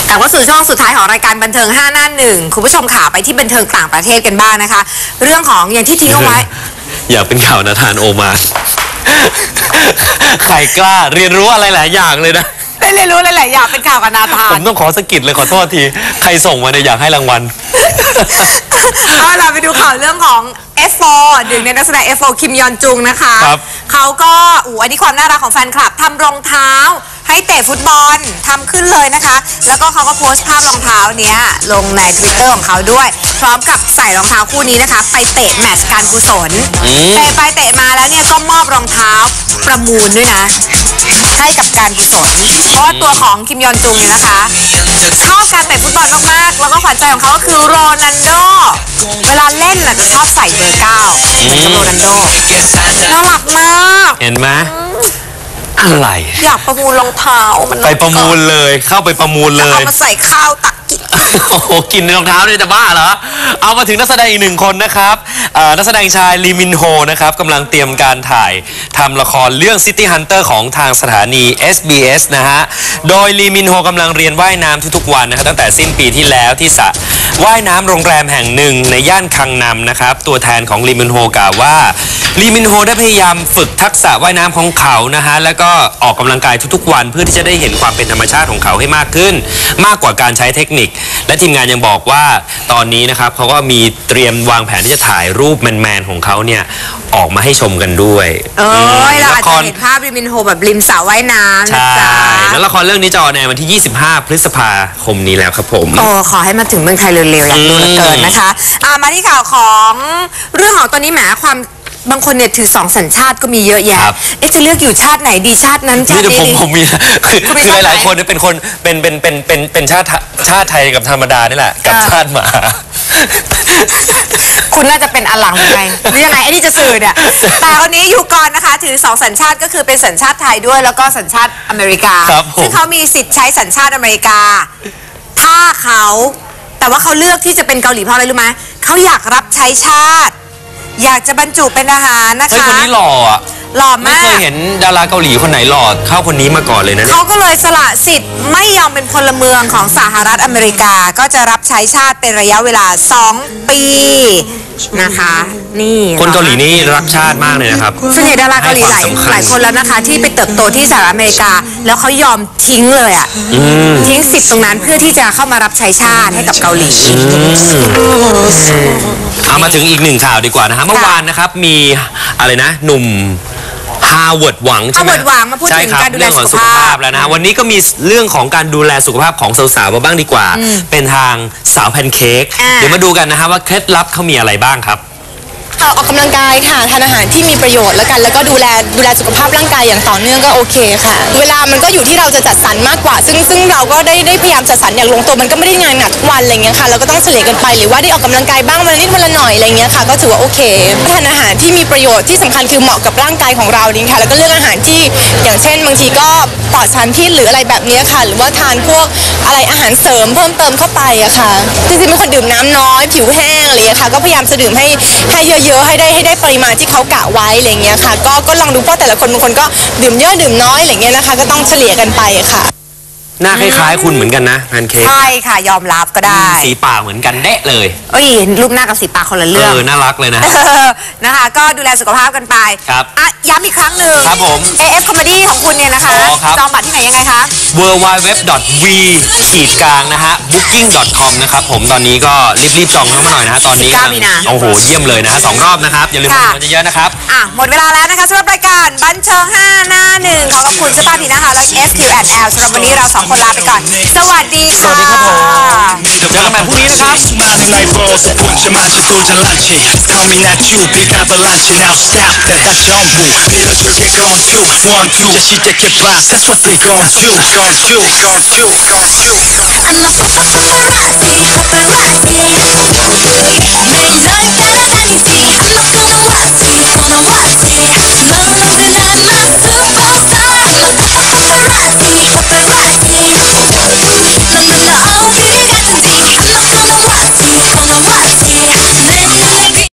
กลับมาสู่ช่วงสุดท้ายของรายการบันเทิง5 หน้า 1คุณผู้ชมข่าวไปที่บันเทิงต่างประเทศกันบ้างนะคะเรื่องของอย่างที่ทิ้งเอาไว้อยากเป็นข่าวนาธานโอมาใครกล้าเรียนรู้อะไรหลายอย่างเลยนะได้เรียนรู้หลายๆอย่างเป็นข่าวกับนาธานผมต้องขอสกิดเลยขอโทษทีใครส่งมาเนี่ยอยากให้รางวัลเอาล่ะไปดูข่าวเรื่องของ F4 หนึ่งในนักแสดง F4 คิมยอนจุงนะคะเขาก็อันนี้ความน่ารักของแฟนคลับทำรองเท้าให้เตะฟุตบอลทำขึ้นเลยนะคะแล้วก็เขาก็โพสต์ภาพรองเท้าเนี้ยลงใน Twitter ของเขาด้วยพร้อมกับใส่รองเท้าคู่นี้นะคะไปเตะแมตช์การกุศลเตะไปเตะมาแล้วเนี่ยก็มอบรองเท้าประมูลด้วยนะให้กับการกุศลเพราะว่าตัวของคิมยอนจุงเนี่ยนะคะชอบการเตะฟุตบอลมากๆแล้วก็ขวัญใจของเขาก็คือโรนัลโดเวลาเล่นน่ะจะชอบใส่เบอร์ 9เหมือนกับโรนัลโดน่ารักมากเห็นไหมอะไรอยากประมูลรองเท้ามันไปประมูลเลยเข้าไปประมูลเลยเอามาใส่ข้าวตักกินโอ้โหกินในรองเท้าเนี่ยจะบ้าเหรอเอามาถึงนักแสดงอีกหนึ่งคนนะครับนักแสดงชายลีมินโฮนะครับกำลังเตรียมการถ่ายทำละครเรื่อง City Hunter ของทางสถานี SBS นะฮะโดยลีมินโฮกำลังเรียนว่ายน้ำทุกๆวันนะครับตั้งแต่สิ้นปีที่แล้วที่สระว่ายน้ำโรงแรมแห่งหนึ่งในย่านคังนำนะครับตัวแทนของลีมินโฮกล่าวว่าลีมินโฮได้พยายามฝึกทักษะว่ายน้ำของเขานะฮะแล้วก็ออกกำลังกายทุกๆวันเพื่อที่จะได้เห็นความเป็นธรรมชาติของเขาให้มากขึ้นมากกว่าการใช้เทคนิคและทีมงานยังบอกว่าตอนนี้นะครับเขาก็มีเตรียมวางแผนที่จะถ่ายรูปแมนๆของเขาเนี่ยออกมาให้ชมกันด้วยเราอาจจะเห็นภาพลีมินโฮแบบริมสระว่ายน้ำใช่แล้วละครเรื่องนี้จะออนแอร์วันที่25 พฤษภาคมนี้แล้วครับผมขอให้มาถึงเมืองไทยเร็วๆอยากดูเหลือเกินนะคะมาที่ข่าวของเรื่องของตอนนี้แหมความบางคนเนี่ยถือ2 สัญชาติก็มีเยอะแยะจะเลือกอยู่ชาติไหนดีชาตินั้นชาตินี้ผมมีคือหลายๆคนเนี่ยเป็นคนเป็นชาติไทยกับธรรมดานี่แหละกับชาติหมาคุณน่าจะเป็นอลังไงหรือยังไงไอ้นี่จะสื่อเนี่ยแต่คนนี้อยู่ก่อนนะคะถือ2 สัญชาติก็คือเป็นสัญชาติไทยด้วยแล้วก็สัญชาติอเมริกาซึ่งเขามีสิทธิ์ใช้สัญชาติอเมริกาถ้าเขาแต่ว่าเขาเลือกที่จะเป็นเกาหลีเพราะอะไรรู้ไหมเขาอยากรับใช้ชาติอยากจะบรรจุเป็นทหารนะคะเฮ้ยคนนี้หล่ออ่ะหล่อมากไม่เคยเห็นดาราเกาหลีคนไหนหล่อเข้าคนนี้มาก่อนเลยนะเขาก็เลยสละสิทธิ์ไม่ยอมเป็นพลเมืองของสหรัฐอเมริกาก็จะรับใช้ชาติเป็นระยะเวลา2 ปีนะคะนี่คนเกาหลีนี่รักชาติมากเลยนะครับส่วนใหญ่ดาราเกาหลีหลายคนแล้วนะคะที่ไปเติบโตที่สหรัฐอเมริกาแล้วเขายอมทิ้งเลยอ่ะทิ้งสิทธิ์ตรงนั้นเพื่อที่จะเข้ามารับใช้ชาติให้กับเกาหลีเอามาถึงอีกหนึ่งข่าวดีกว่านะฮะเมื่อวานนะครับมีอะไรนะหนุ่มฮาร์วาร์ดหวังใช่ไหมมาพูดถึงการดูแลสุขภาพแล้วนะวันนี้ก็มีเรื่องของการดูแลสุขภาพของสาวๆมาบ้างดีกว่าเป็นทางสาวแพนเค้กเดี๋ยวมาดูกันนะฮะว่าเคล็ดลับเขามีอะไรบ้างครับออกกำลังกายค่ะทานอาหารที่มีประโยชน์แล้วกันแล้วก็ดูแลสุขภาพร่างกายอย่างต่อเนื่องก็โอเคค่ะเวลามันก็อยู่ที่เราจะจัดสรรมากกว่าซึ่งเราก็ได้พยายามจัดสรรอย่างลงตัวมันก็ไม่ได้งานหนักทุกวันอะไรเงี้ยค่ะเราก็ต้องเฉลี่ยกันไปหรือว่าได้ออกกำลังกายบ้างวันละนิดวันละหน่อยอะไรเงี้ยค่ะก็ถือว่าโอเคทานอาหารที่มีประโยชน์ที่สำคัญคือเหมาะกับร่างกายของเรานี่ค่ะแล้วก็เลือกอาหารที่อย่างเช่นบางทีก็ปลอดสารพิษหรืออะไรแบบนี้ค่ะหรือว่าทานพวกอะไรอาหารเสริมเพิ่มเติมเข้าไปอะค่ะจริงๆเป็นคนดื่มน้ำน้อยผิวแห้งอะไรเงี้ยค่ะก็พยายามจะดื่มให้เยอะๆให้ได้ปริมาณที่เขากะไว้อะไรเงี้ยค่ะก็ลองดูเพราะแต่ละคนบางคนก็ดื่มเยอะดื่มน้อยอะไรเงี้ยนะคะก็ต้องเฉลี่ยกันไปค่ะหน้าคล้ายๆคุณเหมือนกันนะแพนเค้กใช่ค่ะยอมรับก็ได้สีปากเหมือนกันเดะเลยรูปหน้ากับสีปากคนละเรื่องน่ารักเลยนะนะคะก็ดูแลสุขภาพกันไปครับย้ำอีกครั้งหนึ่งครับผม AF Comedy ของคุณเนี่ยนะคะจองบัตรที่ไหนยังไงคะ www.v-นะฮะ booking.com นะครับผมตอนนี้ก็รีบจองเข้ามาหน่อยนะฮะตอนนี้โอ้โหเยี่ยมเลยนะฮะ2 รอบนะครับอย่าลืมมาเยอะๆนะครับหมดเวลาแล้วนะคะสำหรับรายการบันเทิง5 หน้า 1ขอขอบคุณเสื้อผ้าผีนะคะและ SQ&L สำหรับวันนี้เรา2 คนลาไปก่อนสวัสดีค่ะสวัสดีครับผมเจอกันใหม่พรุ่งนี้นะครับ Coming at you, big avalanche. Now stop that. 다 전부 밀어줄게 gone to one two. 이제 시작해봐. That's what they gon' do. Gon' do. Gon' do. Gon' do. I'm a paparazzi, paparazzi. 매일 널 따라다니지. I'm not gonna watch you.